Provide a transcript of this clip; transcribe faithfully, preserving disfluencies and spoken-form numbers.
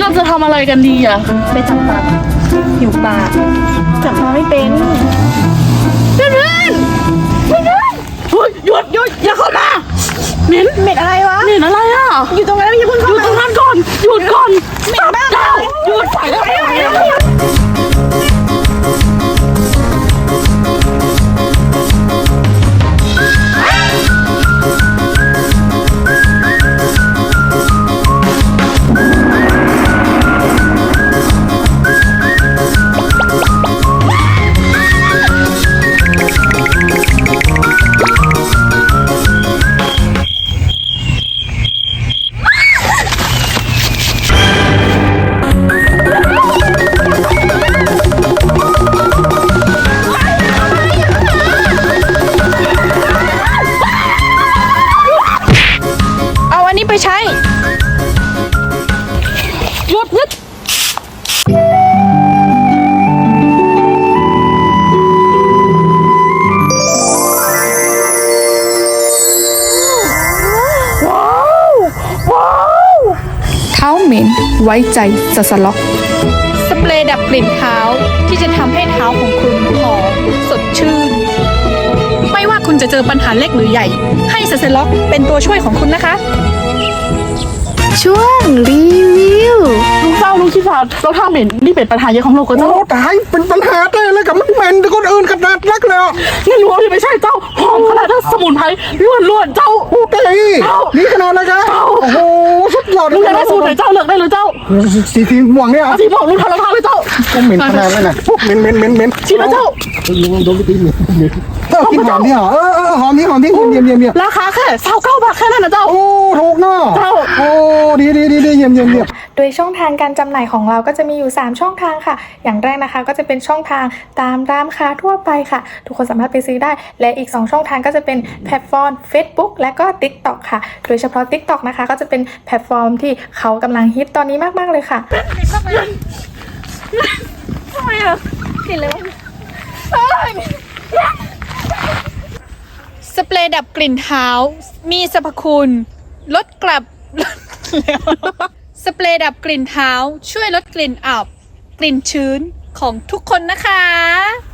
เราจะทำอะไรกันดีอ่ะไปจับปลาหิวปลาจับปลาไม่เป็นเพื่อนเพื่อนเพื่อนเพื่อนเฮ้ยหยุดหยุดอย่าเข้ามาเหม็นเหม็นอะไรวะเหม็นอะไรอ่ะอยู่ตรงนั้นอย่าเพิ่งเข้ามาอยู่ตรงนั้นก่อนหยุดก่อนเหม็นมากหยุดไปแล้วไปใช้หยุดหยุดว้าวว้าวเท้าเหม็นไว้ใจสสล็อกสเปรย์ดับกลิ่นเท้าที่จะทำให้เท้าของคุณหอมสดชื่นไม่ว่าคุณจะเจอปัญหาเล็กหรือใหญ่ให้สสล็อกเป็นตัวช่วยของคุณนะคะช่วงรีวิวลุงเศร้าลุงขี้ฝาดเราท่าเหม็นนี่เป็นปัญหาใหญ่ของโลกก็เจ้าโอ้ตายเป็นปัญหาได้เลยกับมันเหม็นแต่คนอื่นขนาดนักเลยอ่ะงั้นรู้ว่าที่ไม่ใช่เจ้าหอมขนาดนั้นสมุนไพรล้วนล้วนเจ้าโอ้ตายนี่ขนาดเลยครับโอ้โหสุดยอดลุงอยากได้สูตรไหนเจ้าเลือกได้เลยเจ้าสีสีม่วงเนี่ยอาทีบอกลุงทำละทานเลยเจ้าก็เหม็นขนาดนั้นนะเหม็นเหม็นเหม็นเหม็นชิมแล้วเจ้าลุงโดนไปตีเหม็นเหม็นเออกินหอมนี่เหรอเออเออหอมนี่หอมนี่เยี่ยมเยี่ยมเยี่ยมราคาแค่เศร้าเก้าบาทแค่นั้นนะเจ้าโอ้ถูกเนาะเจ้าโอ้ดีดีดีดีเยี่ยมเยี่ยมเยี่ยมโดยช่องทางการจำหน่ายของเราก็จะมีอยู่ สาม ช่องทางค่ะ อย่างแรกนะคะก็จะเป็นช่องทางตามร้านค้าทั่วไปค่ะ ทุกคนสามารถไปซื้อได้ และอีก สอง ช่องทางก็จะเป็นแพลตฟอร์ม Facebook และก็ TikTok ค่ะ โดยเฉพาะ TikTok นะคะก็จะเป็นแพลตฟอร์มที่เขากำลังฮิตตอนนี้มากๆเลยค่ะทำไมอ่ะกลิ่นเลยวะสเปรย์ดับกลิ่นเท้ามีสรรพคุณลดกลับ สเปรย์ดับกลิ่นเท้าช่วยลดกลิ่นอับกลิ่นชื้นของทุกคนนะคะ